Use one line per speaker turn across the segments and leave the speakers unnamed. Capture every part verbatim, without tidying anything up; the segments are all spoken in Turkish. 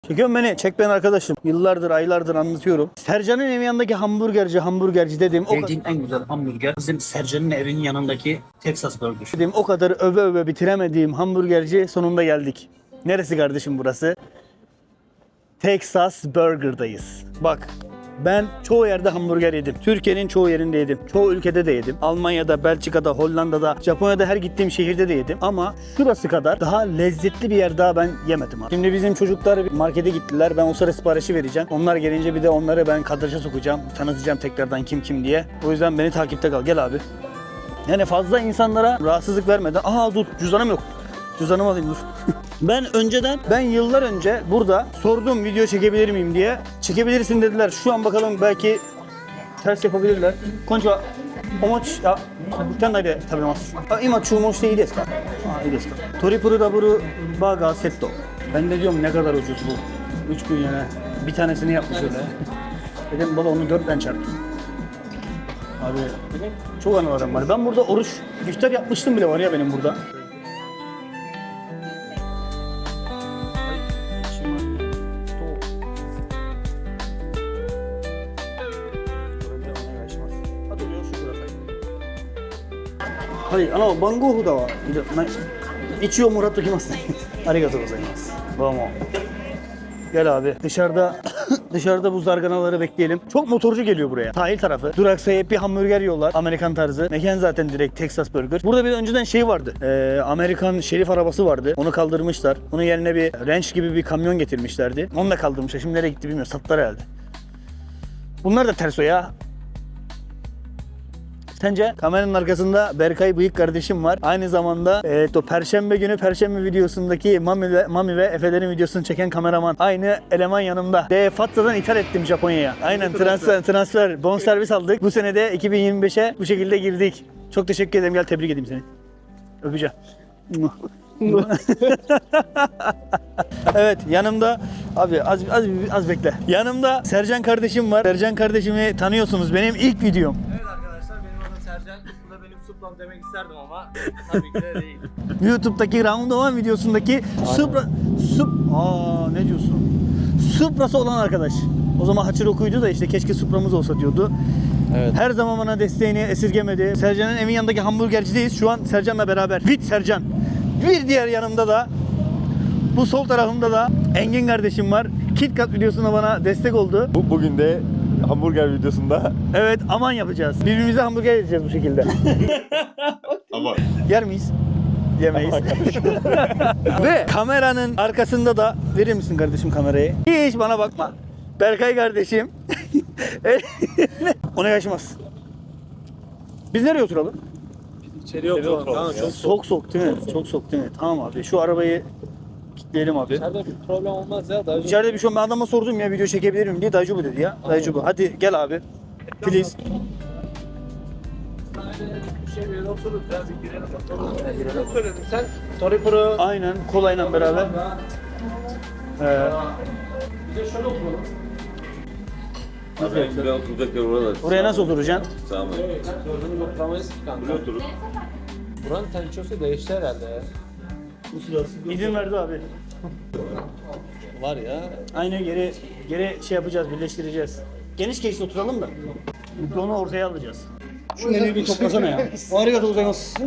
Çekiyorum beni. Çek beni arkadaşım. Yıllardır, aylardır anlatıyorum. Sercan'ın evin yanındaki hamburgerci, hamburgerci dedim. O
Yediğim en güzel hamburger bizim Sercan'ın evinin yanındaki Texas Burger.
dedim o kadar öve öve bitiremediğim hamburgerci sonunda geldik. Neresi kardeşim burası? Texas Burger'dayız. Bak ben çoğu yerde hamburger yedim. Türkiye'nin çoğu yerinde yedim. Çoğu ülkede de yedim. Almanya'da, Belçika'da, Hollanda'da, Japonya'da her gittiğim şehirde de yedim. Ama şurası kadar daha lezzetli bir yer daha ben yemedim abi. Şimdi bizim çocuklar bir markete gittiler. Ben o sıra siparişi vereceğim. Onlar gelince bir de onları ben kadraja sokacağım. Tanıtacağım tekrardan kim kim diye. O yüzden beni takipte kal. Gel abi. Yani fazla insanlara rahatsızlık vermeden. Aha dur cüzdanım yok. Cüzdanımı alayım dur. Ben önceden, ben yıllar önce burada sordum video çekebilir miyim diye. Çekebilirsin dediler. Şu an bakalım belki ters yapabilirler. Konnichiwa. Omochi, ya, butten de tabimasu. Ima chuumon iyi desu ka? Ha, iyi desu ka? Triple double burger setto. Ben de diyorum ne kadar ucuz bu. üç bin yene. Bir tanesini yapmış öyle. Dedim baba onu dörtten çarp. Abi çok anılarım var. Ben burada oruç, iftar yapmıştım bile var ya benim burada.はい、あの番号札はいるない一応もらっときますね。ありがとうございます。どうも。Gel abi. Dışarıda dışarıda bu zarganaları bekleyelim. Çok motorcu geliyor buraya. Sahil tarafı. Duraksayıp bir hamburger yiyorlar. Amerikan tarzı. Mekan zaten direkt Texas Burger. Burada bir önceden şey vardı. Ee, Amerikan şerif arabası vardı. Onu kaldırmışlar. Onun yerine bir ranch gibi bir kamyon getirmişlerdi. Onu da kaldırmışlar. Şimdi nereye gitti bilmiyorum. Sattılar herhalde. Bunlar da ters o ya. Sence? Kameranın arkasında Berkay Bıyık kardeşim var. Aynı zamanda evet, o Perşembe günü Perşembe videosundaki Mami ve, Mami ve Efe'lerin videosunu çeken kameraman. Aynı eleman yanımda. De Fatsa'dan ithal ettim Japonya'ya. Aynen transfer, transfer, bonservis aldık. Bu sene de iki bin yirmi beşe bu şekilde girdik. Çok teşekkür ederim. Gel tebrik edeyim seni. Öpeceğim. Evet yanımda abi az az az bekle. Yanımda Sercan kardeşim var. Sercan kardeşimi tanıyorsunuz. Benim ilk videom.
Sercan, bu da benim suplam demek isterdim ama tabii ki de değil.
YouTube'daki Round One videosundaki Supra... Sup... Aa ne diyorsun? Supra'sı olan arkadaş. O zaman Hachiroku'ydu da işte keşke Supra'mız olsa diyordu.
Evet.
Her zaman bana desteğini esirgemedi. Sercan'ın evin yanındaki hamburgercideyiz. Şu an Sercan'la beraber. With Sercan. Bir diğer yanımda da bu sol tarafımda da Engin kardeşim var. KitKat videosuna bana destek oldu.
Bu bugün de hamburger videosunda
Evet aman yapacağız. Birbirimize hamburger yiyeceğiz bu şekilde.
ama
Yer miyiz? Yemeyiz. Ve kameranın arkasında da verir misin kardeşim kamerayı? Hiç bana bakma. Berkay kardeşim. Ona yaşamaz. Biz nereye oturalım?
İçeri oturalım. Tamam, çok
Soğuk soğuk değil mi? Çok soğuk değil mi? Tamam abi. Şu arabayı kilitleyelim abi.
İçeride bir problem olmaz ya. Daha
İçeride bir şey ben adama sordum ya video çekebilir miyim diye. Dayıcı bu dedi ya. Dayıcı bu. Hadi gel abi. Please.
bir şey bir yere otururuz. Biraz girelim. Girelim. Söyledim sen. Toripuro.
Aynen kolayla beraber. Ee,
Bir de şöyle oturalım.
belki de oturacak yer orada.
oraya nasıl oturacaksın?
Tamam.
Gördüğünüz oturamayız ki kanka.
Buraya oturup
Buranın tençosu değişti herhalde ya.
İzin verdi abi.
Var ya.
Aynen geri geri şey yapacağız, birleştireceğiz. Geniş geniş oturalım da. Mikrofonu ortaya alacağız. Şu eli bir toplasana ya. Arigatou gozaimasu.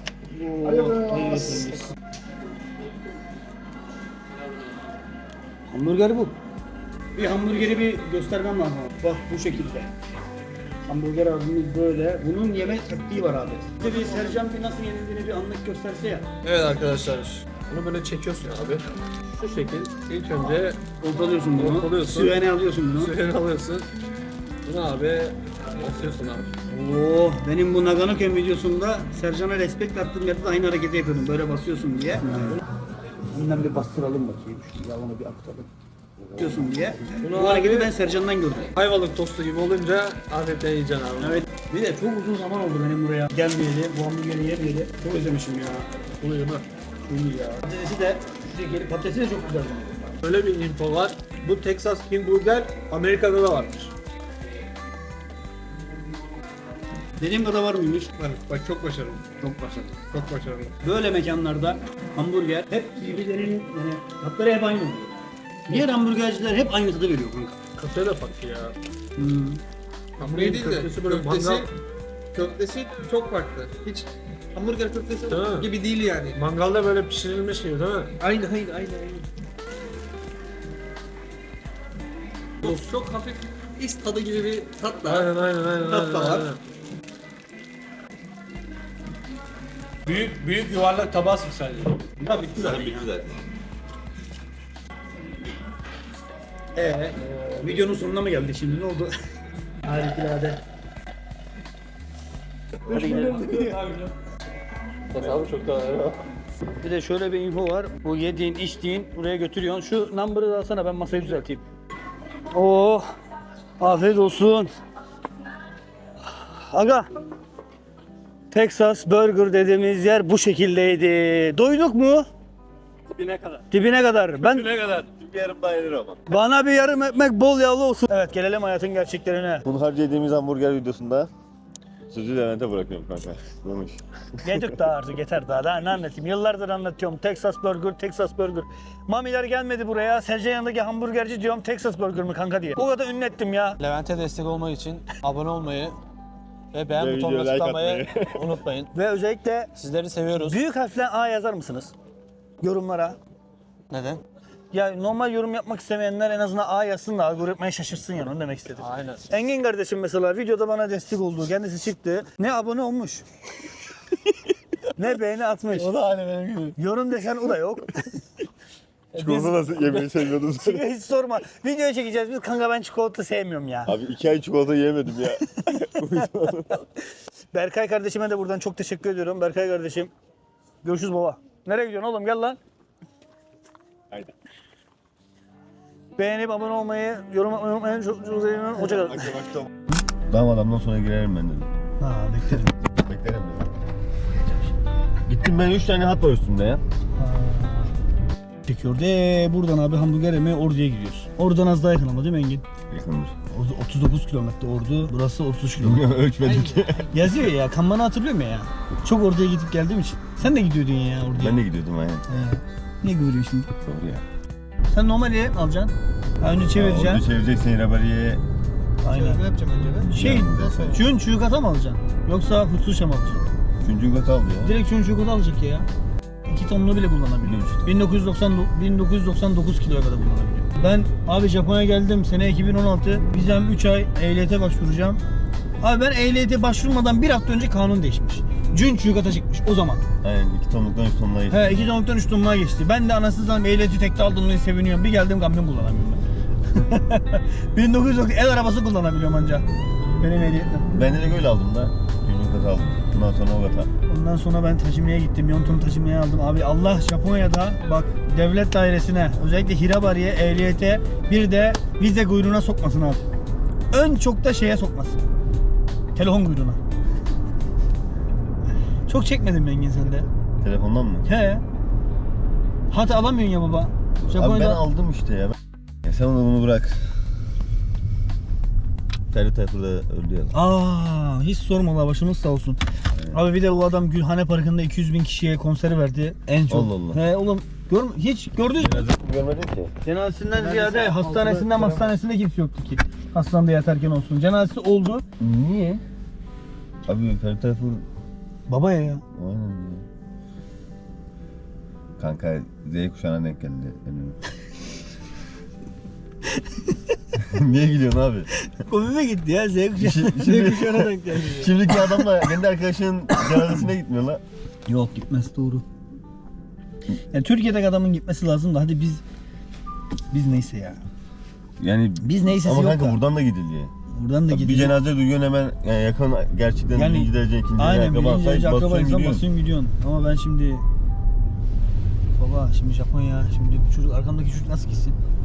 Hamburger bu. Bir hamburgeri bir göstermem lazım. Bak bu şekilde. Hamburger abimiz böyle. Bunun yeme taktiği var abi. Bir de bir Sercan bir nasıl yenildiğini bir anlık gösterse ya.
Evet arkadaşlar. Bunu böyle çekiyorsun abi. Şu şekil. İlk önce
Ortalıyorsun bunu.
Ortalıyorsun.
Süvene alıyorsun bunu.
suyunu alıyorsun. Bunu abi basıyorsun abi.
Oo, benim bu Naganoken videosunda Sercan'a respekt attığım yerde de aynı hareketi yapıyordum. Böyle basıyorsun diye. Bundan bir bastıralım bakayım. Şu yağını bir aktaralım. Basıyorsun diye.
Bunu
Bu hareketi
abi-
ben Sercan'dan gördüm.
Ayvalık tostu gibi olunca afiyetle yiyeceksin abi.
Evet. Bir de çok uzun zaman oldu benim buraya gelmeyeli, bu hamburgeri yemeyeli. Çok özlemişim ya.
Bunu yeme.
İyi ya. Patatesi de şu şekeri, patatesi de çok güzel.
Öyle bir info var. Bu Texas King Burger Amerika'da da varmış.
Dediğim kadar var mıymış?
Bak, bak çok başarılı.
Çok başarılı.
Çok başarılı.
Böyle mekanlarda hamburger hep birbirlerinin yani tatları hep aynı oluyor. Diğer hamburgerciler hep aynı tadı veriyor kanka.
Köfte de farklı ya.
Hmm.
Hamburger
değil de
köftesi böyle
köftesi,
mangal,
köftesi çok farklı. Hiç hamburger köftesi
Değil mi?
gibi değil yani.
mangalda böyle pişirilmiş gibi değil mi?
Aynı aynı aynı aynı. Çok, çok hafif is tadı gibi bir tat var.
Aynen aynen aynen.
Tat
aynen,
da var.
aynen. Büyük büyük yuvarlak tabağı sık sadece.
Ha bitti zaten.
Bitti zaten.
Ee, videonun sonuna mı geldik şimdi ne oldu? Harikulade. Hadi gidelim.
Hesabı çok daha
Bir de şöyle bir info var. Bu yediğin, içtiğin buraya götürüyorsun. Şu number'ı da alsana ben masayı düzelteyim. Oh! Afiyet olsun. Aga. Texas Burger dediğimiz yer bu şekildeydi. Doyduk mu?
Dibine kadar.
Dibine kadar. Ben
Ne kadar?
Bir yarım daha yenir ama.
bana bir yarım ekmek bol yağlı olsun. Evet gelelim hayatın gerçeklerine.
Bunharca yediğimiz hamburger videosunda sözü Levent'e bırakıyorum kanka. Demiş.
Yedik daha artık yeter daha, daha ne anlatayım. Yıllardır anlatıyorum Texas Burger, Texas Burger. Mamiler gelmedi buraya. Sercan yanındaki hamburgerci diyorum Texas Burger mı kanka diye. O kadar ünlü ettim ya.
Levent'e destek olmak için abone olmayı ve beğen
Ve
butonuna
videoya like
tıklamayı unutmayın.
Ve özellikle
Sizleri seviyoruz.
büyük harfle A yazar mısınız? Yorumlara.
Neden?
Ya normal yorum yapmak istemeyenler en azından A yazsın da algoritmaya şaşırsın yani onu demek istedim.
Aynen.
Engin kardeşim mesela videoda bana destek oldu. Kendisi çıktı. Ne abone olmuş. ne beğeni atmış.
O da aynı benim gibi.
Yorum desen o da yok.
Çikolata nasıl yemeyi seviyordun sen?
Hiç sorma. Videoyu çekeceğiz biz. Kanka ben çikolata sevmiyorum ya.
Abi iki ay çikolata yemedim ya.
Berkay kardeşime de buradan çok teşekkür ediyorum. Berkay kardeşim. Görüşürüz baba. Nereye gidiyorsun oğlum? Gel lan.
Haydi.
Beğenip abone olmayı, yorum yapmayı unutmayın. Çok çok sevinirim. Hoşçakalın.
Tamam adamdan sonra girerim ben dedim.
Ha beklerim.
Beklerim dedim. Gittim ben üç tane hat var üstümde ya.
Çekiyor. De buradan abi hamburger yemeye Ordu'ya gidiyoruz. Oradan az daha yakın ama değil mi Engin?
Yakındır.
Ordu otuz dokuz kilometre Ordu. Burası otuz üç kilometre.
Ölçmedik.
Yazıyor ya. Kanmanı hatırlıyor musun ya? Çok Ordu'ya gidip geldiğim için. Sen de gidiyordun ya Ordu'ya.
Ben de gidiyordum aynen.
He. Ne görüyorsun şimdi?
Doğru ya.
Sen normali alacaksın. Ha, önce çevireceksin.
Orada çevireceksin Rabariye.
Aynen.
Ne yapacağım önce ben?
Şey, çün çuğukata mı alacaksın? Yoksa hutsuşa mı alacaksın?
Üçüncü kat aldı ya.
Direkt çün çuğukata alacak ya. İki tonlu bile kullanabiliyor. bin dokuz yüz doksan, bin dokuz yüz doksan dokuz kiloya kadar kullanabiliyor. Ben abi Japonya'ya geldim sene iki bin on altı. Vizem üç ay ehliyete başvuracağım. Abi ben ehliyete başvurmadan bir hafta önce kanun değişmiş. Cün çuğukata çıkmış o zaman.
Aynen iki tonluktan üç tonluğa geçti.
He iki tonluktan üç tonluğa geçti. Ben de anasını satayım ehliyeti tekte aldığım için seviniyorum. Bir geldim kamyon kullanamıyorum ben. bin dokuz yüz doksan el arabası kullanabiliyorum ancak. Benim ehliyetle.
Ben de öyle aldım da. Üçüncü kat aldım. Bundan sonra o kata.
Ondan sonra ben taşımaya gittim. Yonton taşımaya aldım. Abi Allah Japonya'da bak devlet dairesine özellikle Hirabari'ye, ehliyete bir de vize kuyruğuna sokmasın abi. Ön çok da şeye sokmasın. Telefon kuyruğuna. Çok çekmedim Engin sende.
Telefondan mı?
He. Hatta alamıyorsun ya baba.
Abi ben
Japonya'da
aldım işte ya. ya sen onu bunu bırak. Ferdi Tayfur da öldü ya.
Aa, hiç sorma la başımız sağ olsun.
Evet.
Abi bir de o adam Gülhane Parkı'nda iki yüz bin kişiye konser verdi. En çok.
Allah Allah.
He oğlum gör, hiç gördünüz mü?
Görmedin ki.
Cenazesinden ziyade hastanesinden hastanesinde kimse yoktu ki. Hastanede yatarken olsun. Cenazesi oldu.
Niye? Abi Ferdi Tayfur
Babaya ya.
aynen ya. Kanka Z kuşağına denk geldi. benim. Niye gülüyorsun abi?
Komime gitti ya. Z kuşağı.
Şimdi-
Z kuşağına denk geldi.
Şimdiki adamla kendi arkadaşının cenazesine gitmiyor la.
Yok gitmez doğru. Yani Türkiye'deki adamın gitmesi lazım da hadi biz biz neyse ya.
Yani
Biz neyse
ama
yok
kanka
da.
buradan da gidiliyor.
Buradan da
Bir
gidiyor.
cenaze duyuyorsun hemen yani yakın gerçekten
Yani-
birinci derece ikinci derece
Aynen
akraba
birinci derece
sayıp
akraba
basıyorsun
insan
gidiyorsun.
basıyorsun gidiyorsun. Ama ben şimdi baba şimdi Japonya şimdi bu çocuk arkamdaki çocuk nasıl gitsin?